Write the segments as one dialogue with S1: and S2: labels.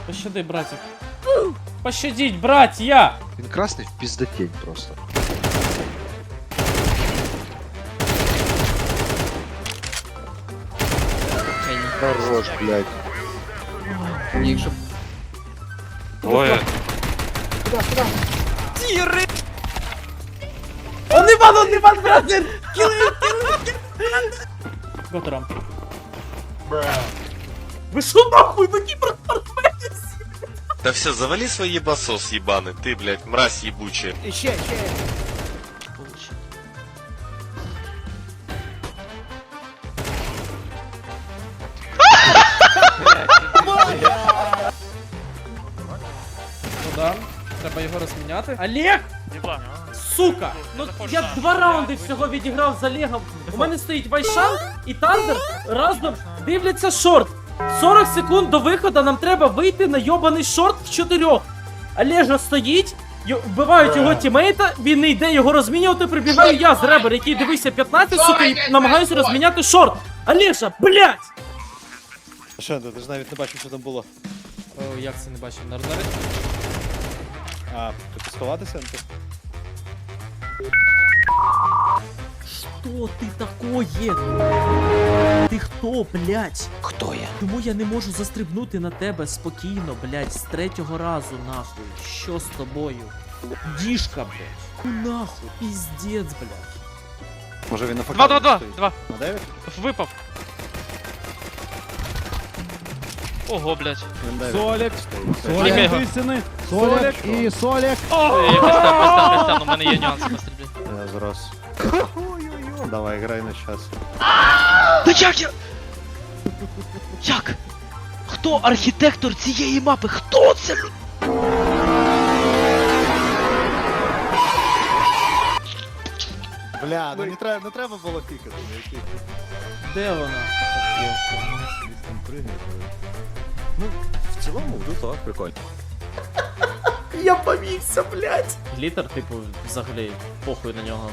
S1: Пощади, братик. Пощадіть, братья!
S2: Він красний в піздатень просто. Хорош, блядь.
S3: Ні, щоб...
S4: Двоє.
S1: Он не ван, братер! Готерам. Ви шо нахуй, ви кіберспортсменці?
S4: Да все, завали свой ебасос ебаный, ты, блядь, мразь ебучая.
S1: Куда? Треба його розміняти. Олег! Сука! Ну я 2 раунди всього відіграв з Олегом. У мене стоїть Вайшан і Тандер разом дивляться шорт. 40 секунд до виходу нам треба вийти на йобаний шорт в 4. Олежа стоїть, вбивають його тімейта, він не йде його розмінювати, прибігаю я з ребер, який дивився 15, сука, і намагаюся розміняти шорт. Олежа, блядь!
S5: Що, ти ж навіть не бачив, що там було.
S1: О, як це не бачив?
S5: А, тобі сховатися?
S1: Что ты такое? Ти хто, блядь?
S3: Хто я?
S1: Чому я не можу застрибнути на тебе спокійно, блядь, з 3-го разу, нахуй? Що з тобою? Дішка, блядь. Ну нахуй, піздець, блядь.
S5: Може він на факапі
S6: 2.
S5: стоїть?
S6: 2.
S5: На 9?
S6: Випав. Ого, блядь.
S5: Він 9.
S7: Солік,
S5: Солік.
S6: Солік.
S7: Тисяни, Солік і Солік.
S6: Христян, у мене є нюанси по стрільбі.
S5: Я зараз. Давай, грай на час.
S8: Та як я? Як? Хто архітектор цієї мапи? Хто це?
S5: Бля, ну не треба було пікати.
S1: Де вона?
S5: Ну, в цілому, так, прикольно.
S1: Я повівся, блядь. Глітер, типу, взагалі, похуй на нього.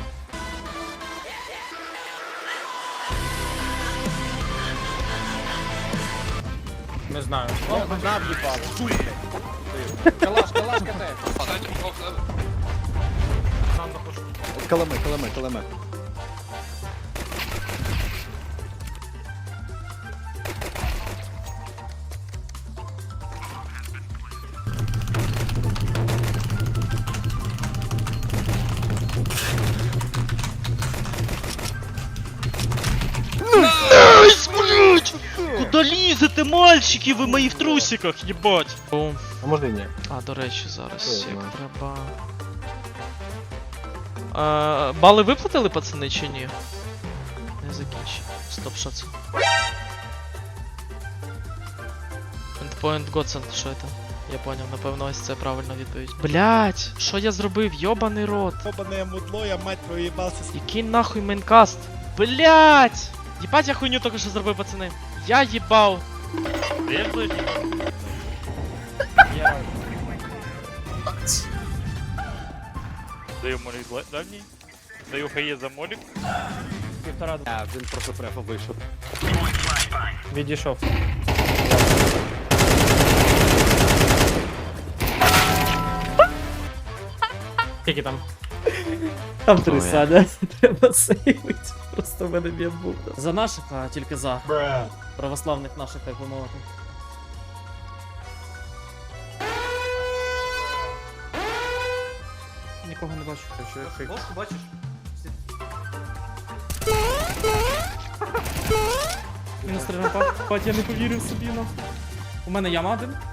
S7: Не знаю. Калаш, КТ.
S5: Каламе.
S8: Найс, блядь! Куда лізете, мальчики, ви мої в трусиках, їбать!
S6: Бум.
S5: А може і ні?
S6: А, до речі, зараз
S5: Що
S6: як
S5: знаю.
S6: треба. Бали виплатили, пацани, чи ні? Не закінчив. Стоп, що це? Endpoint Godsend, що це? Я поняв, напевно, ось це правильна відповідь. Блять, що я зробив? Йобаний рот.
S5: Йобане мудло, я мать твою їбався.
S6: Який нахуй мейнкаст? Блять! Єбать, я хуйню тільки що зробив, пацани. Я їбав.
S9: Даю молік дальній. Даю хає за молік.
S5: А, він просто префа вийшов.
S7: Відійшов. Скільки там?
S1: Там 3 сада. Треба сейвити. Просто в мене б'є був. За наших, а тільки за. Православних наших, так би мовити. Нікого не бачу.
S3: Ложку бачиш?
S1: Мінус 3 рампа. Бать, я не повірив собі, ну. У мене яма один.